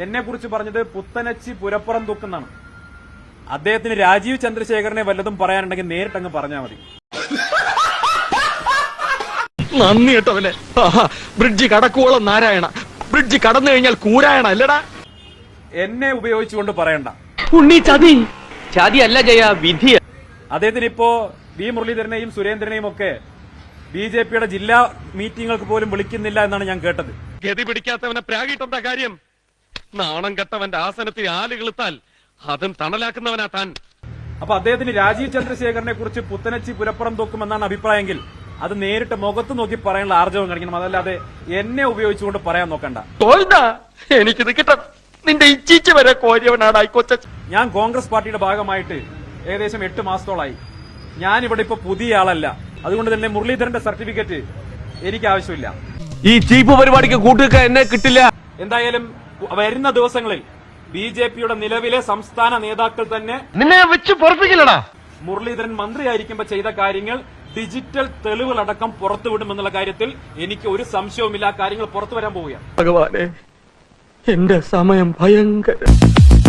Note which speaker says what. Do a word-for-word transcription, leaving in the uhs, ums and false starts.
Speaker 1: എന്നെ കുറിച്ച് പറഞ്ഞത് പുത്തനച്ചി പുരപ്പുറം തൂക്കുന്നാണ്. അദ്ദേഹത്തിന് രാജീവ് ചന്ദ്രശേഖരനെ വല്ലതും പറയാനുണ്ടെങ്കിൽ നേരിട്ടങ്ങ് പറഞ്ഞാൽ മതി.
Speaker 2: നന്ദി കേട്ടവനെ. ബ്രിഡ്ജ് കടക്കുവോളം നാരായണ, ബ്രിഡ്ജ് കടന്നു കഴിഞ്ഞാൽ കൂരായണ അല്ലടാ.
Speaker 1: എന്നെ ഉപയോഗിച്ചുകൊണ്ട് പറയണ്ട.
Speaker 3: ഉണ്ണി ചതി ചതി അല്ല ജയ, വിധി.
Speaker 1: അദ്ദേഹത്തിന് ഇപ്പോ വി മുരളീധരനെയും സുരേന്ദ്രനെയും ഒക്കെ ബി ജെ പിയുടെ ജില്ലാ മീറ്റിംഗുകൾക്ക് പോലും വിളിക്കുന്നില്ല എന്നാണ് ഞാൻ കേട്ടത്.
Speaker 2: ഗതി പിടിക്കാത്തവനെ പ്രാഗിട്ടെന്താ കാര്യം? നാണം കെട്ടവന്റെ ആസനത്തിൽ ആലുകളുത്താൽ അതും തണലാക്കുന്നവനാ താൻ.
Speaker 1: അപ്പൊ അദ്ദേഹത്തിന് രാജീവ് ചന്ദ്രശേഖരനെ കുറിച്ച് പുത്തനച്ചി പുരപ്പുറം തൂക്കുമെന്നാണ് അഭിപ്രായമെങ്കിൽ അത് നേരിട്ട് മുഖത്ത് നോക്കി പറയാനുള്ള ആർജവം കാണിക്കണം. അതല്ലാതെ എന്നെ ഉപയോഗിച്ചുകൊണ്ട് പറയാൻ നോക്കണ്ട.
Speaker 2: എനിക്കിത് കിട്ടണം. നിന്റെ ഇച്ചിച്ച വരെ കോരിയവനാണ് കൊച്ച.
Speaker 1: ഞാൻ കോൺഗ്രസ് പാർട്ടിയുടെ ഭാഗമായിട്ട് ഏകദേശം എട്ട് മാസത്തോളായി. ഞാൻ ഇവിടെ ഇപ്പൊ പുതിയ ആളല്ല. അതുകൊണ്ട് തന്നെ മുരളീധരന്റെ സർട്ടിഫിക്കറ്റ് എനിക്ക് ആവശ്യമില്ല.
Speaker 3: ഈ ചീപ്പ് പരിപാടിക്ക് കൂട്ടുക എന്നെ കിട്ടില്ല.
Speaker 1: എന്തായാലും വരുന്ന ദിവസങ്ങളിൽ ബി ജെ പിയുടെ നിലവിലെ സംസ്ഥാന നേതാക്കൾ തന്നെ
Speaker 2: നിന്നെ വെച്ച് പൊറപ്പിക്കില്ലടാ.
Speaker 1: മുരളീധരൻ മന്ത്രിയായിരിക്കുമ്പോൾ ചെയ്ത കാര്യങ്ങൾ ഡിജിറ്റൽ തെളിവുകളടക്കം പുറത്തുവിടുമെന്നുള്ള കാര്യത്തിൽ എനിക്ക് ഒരു സംശയവുമില്ല. കാര്യങ്ങൾ പുറത്തു വരാൻ പോവുകയാണ്.
Speaker 2: ഭഗവാനെ, എന്റെ സമയം ഭയങ്കര